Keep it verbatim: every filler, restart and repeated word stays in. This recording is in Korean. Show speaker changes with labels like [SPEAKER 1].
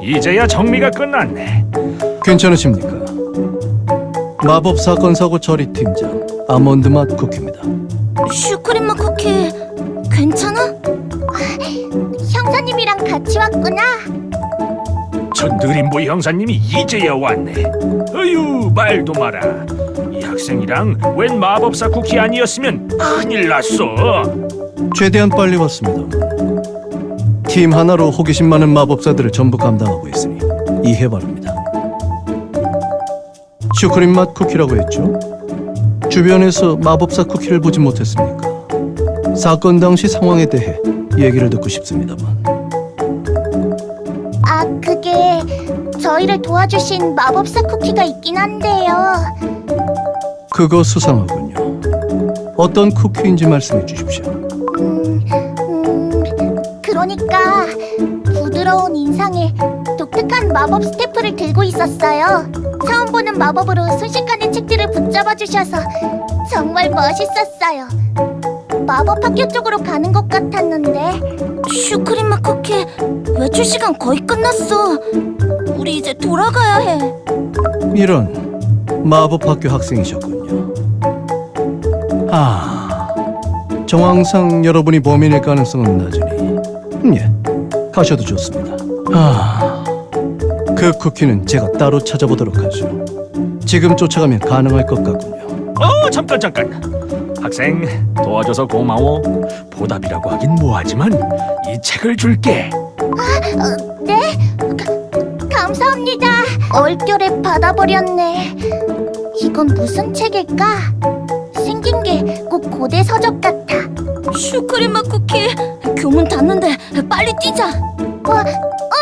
[SPEAKER 1] 이제야 정리가 끝났네.
[SPEAKER 2] 괜찮으십니까? 마법 사건 사고 처리 팀장 아몬드 맛 쿠키입니다.
[SPEAKER 3] 슈크림 맛 쿠키 괜찮아? 형사님이랑 같이 왔구나.
[SPEAKER 1] 저 느림보 형사님이 이제야 왔네. 어휴, 말도 마라. 이 학생이랑 웬 마법사 쿠키 아니었으면 큰일 났어.
[SPEAKER 2] 최대한 빨리 왔습니다. 팀 하나로 호기심 많은 마법사들을 전부 감당하고 있으니 이해 바랍니다. 슈크림 맛 쿠키라고 했죠? 주변에서 마법사 쿠키를 보지 못했습니까? 사건 당시 상황에 대해 얘기를 듣고 싶습니다만.
[SPEAKER 3] 아, 그게 저희를 도와주신 마법사 쿠키가 있긴 한데요.
[SPEAKER 2] 그거 수상하군요. 어떤 쿠키인지 말씀해 주십시오.
[SPEAKER 3] 음, 음, 그러니까 부드러운 인상에 독특한 마법 스태프를 들고 있었어요. 처음 보는 마법으로 순식간에 책들을 붙잡아 주셔서 정말 멋있었어요. 마법 학교 쪽으로 가는 것 같았는데. 슈크림 맛 쿠키 외출 시간 거의 끝났어. 우리 이제 돌아가야 해.
[SPEAKER 2] 이런 마법학교 학생이셨군요. 아, 정황상 여러분이 범인일 가능성은 낮으니 음, 예, 가셔도 좋습니다. 아, 그 쿠키는 제가 따로 찾아보도록 하죠. 지금 쫓아가면 가능할 것 같군요.
[SPEAKER 1] 어, 잠깐 잠깐. 학생, 도와줘서 고마워. 보답이라고 하긴 뭐하지만 이 책을 줄게.
[SPEAKER 3] 어, 네? 가, 감사합니다. 얼결에 받아버렸네. 이건 무슨 책일까? 생긴 게 꼭 고대 서적 같아. 슈크림 맛 쿠키, 교문 닫는데 빨리 뛰자. 어, 어!